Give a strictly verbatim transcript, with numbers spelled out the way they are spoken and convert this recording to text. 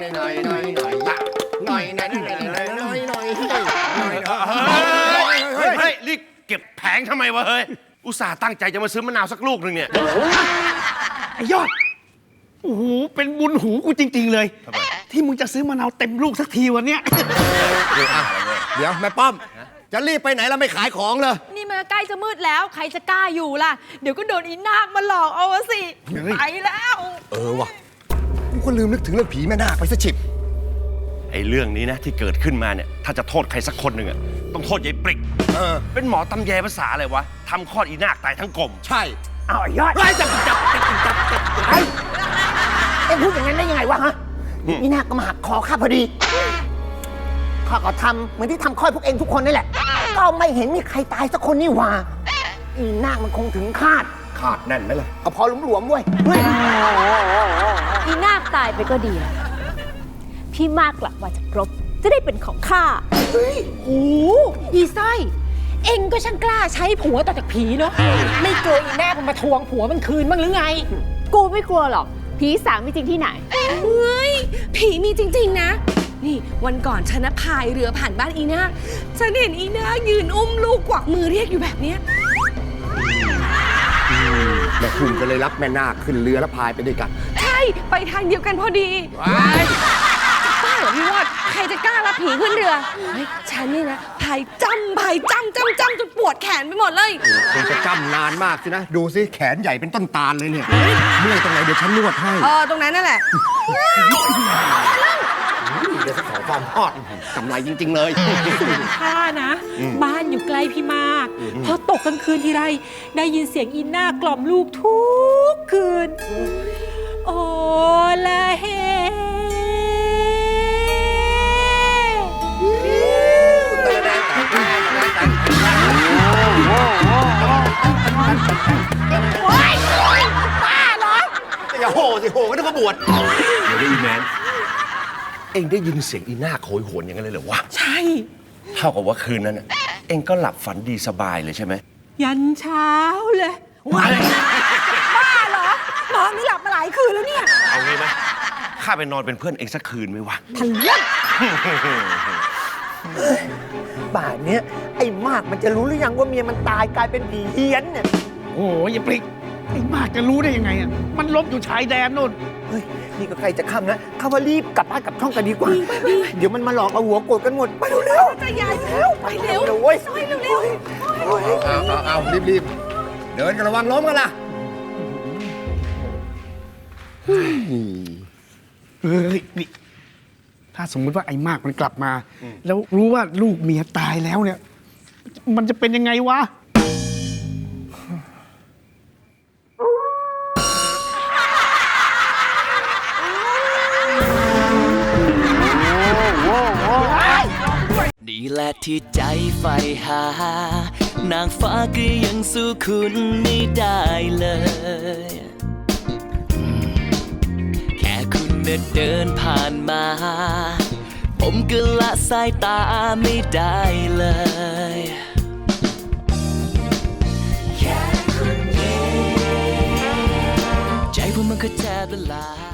หน่อยหน่อยหน่อยหน่อยหน่อยหน่อยหน่อยหน่อยหน่อยหน่อยหน่อยเฮ้ยเฮ้ยรีบเก็บแผงทำไมวะเฮ้ยอุตส่าห์ตั้งใจจะมาซื้อมะนาวสักลูกหนึ่งเนี่ยไอ้ยอดโอ้โหเป็นบุญหูกูจริงๆเลยที่มึงจะซื้อมะนาวเต็มลูกสักทีวันเนี้ยเดี๋ยวแม่ป้อมจะรีบไปไหนแล้วไม่ขายของเลยนี่มันใกล้จะมืดแล้วใครจะกล้าอยู่ล่ะเดี๋ยวก็โดนอีนาคมาหลอกเอาสิไปแล้วเออว่ะกูก็ลืมนึกถึงเรื่องผีแม่นาคไปซะฉิบไอ้เรื่องนี้นะที่เกิดขึ้นมาเนี่ยถ้าจะโทษใครสักคนหนึ่งอะต้องโทษยายปริกเออเป็นหมอตำแยภาษาอะไรวะทำคลอดอีนาคตายทั้งกลมใช่เอาไอ้ยอดไอ้จับจับจับจับจับไอ้เอ็งพูดอย่างนั้นได้ยังไงวะฮะอีนาคก็มาหักคอข้าพอดีข้าก็ทำเหมือนที่ทำคลอดพวกเองทุกคนนี่แหละก็ไม่เห็นมีใครตายสักคนนี่หว่าอีนาคมันคงถึงคาดคาดแน่นไหมล่ะก็พอหลวมๆเว้ยอีนาคตายไปก็ดีพี่มากกลับมาจากรบจะได้เป็นของข้าเฮ้ยโหอีสร้อยเอ็งก็ช่างกล้าใช้ผัวต่อจากผีเนาะไม่กลัวอีนาคมันมาทวงผัวมันคืนบ้างหรือไงกูไม่กลัวหรอกผีสางมีจริงที่ไหนเฮ้ยผีมีจริงๆนะนี่วันก่อนฉันพายเรือผ่านบ้านอีนาคฉันเห็นอีนาคยืนอุ้มลูกกวักมือเรียกอยู่แบบเนี้ยแม่คุณก็เลยรับแม่นาคขึ้นเรือแล้วพายไปด้วยกันใช่ไปทางเดียวกันพอดีป้าเหรอพี่วอดใครจะกล้ารับผีขึ้นเรือเฮ้ยฉันนี่นะพายจ้ำพายจ้ำจ้ำจ้ำจนปวดแขนไปหมดเลยคงจะจ้ำนานมากสินะดูสิแขนใหญ่เป็นต้นตาลเลยเนี่ยเมื่อยตรงไหนเดี๋ยวฉันนวดให้เออตรงนั้นนั่นแหละเดี๋ยวจะขอความทอดกำไรจริงๆเลยข้านะบ้านอยู่ใกล้พี่มากพอตกกลางคืนทีไรได้ยินเสียงอินน่ากล่อมลูกทุกคืนโอละเฮป้าเหรออย่าโห่สิโห่ก็ต้องมาบวชเดี๋ยวได้ยินแมนเอ็งได้ยินเสียงอีนาคโหยหวนอย่างนั้นเลยเหรอวะใช่เท่ากับว่าคืนนั้นเอ็งก็หลับฝันดีสบายเลยใช่ไหมยันเช้าเลยบ้าเหรอน้องนี่หลับมาหลายคืนแล้วเนี่ยเอางี้ไหมข้าไปนอนเป็นเพื่อนเอ็งสักคืนไหมวะทันเล่นป่านนี้ไอ้มากมันจะรู้หรือยังว่าเมียมันตายกลายเป็นผีเฮี้ยนเนี่ยโอ้ยอย่าปลิกไอ้มากจะรู้ได้ยังไงอ่ะมันลบอยู่ชายแดนนู่นเฮ้ยนี่ก็ใกล้จะค่ำนะข้าว่ารีบกลับบ้านกลับช่องกันดีกว่าเดี๋ยวมันมาหลอกเอาหัวโกรธกันหมดไปเร็วๆจะใหญ่แล้วไปเร็วเว้ยซอยเร็วๆเอาเอาเอารีบๆเดินกันระวังล้มกันล่ะเฮ้ยนี่ถ้าสมมติว่าไอ้มากมันกลับมาแล้วรู้ว่าลูกเมียตายแล้วเนี่ยมันจะเป็นยังไงวะนี่แหละที่ใจใฝ่หานางฟ้าก็ยังสู้คุณไม่ได้เลยแค่คุณเดินผ่านมาผมก็ละสายตาไม่ได้เลยแค่คุณยิ้มใจผมมันก็แทบละลาย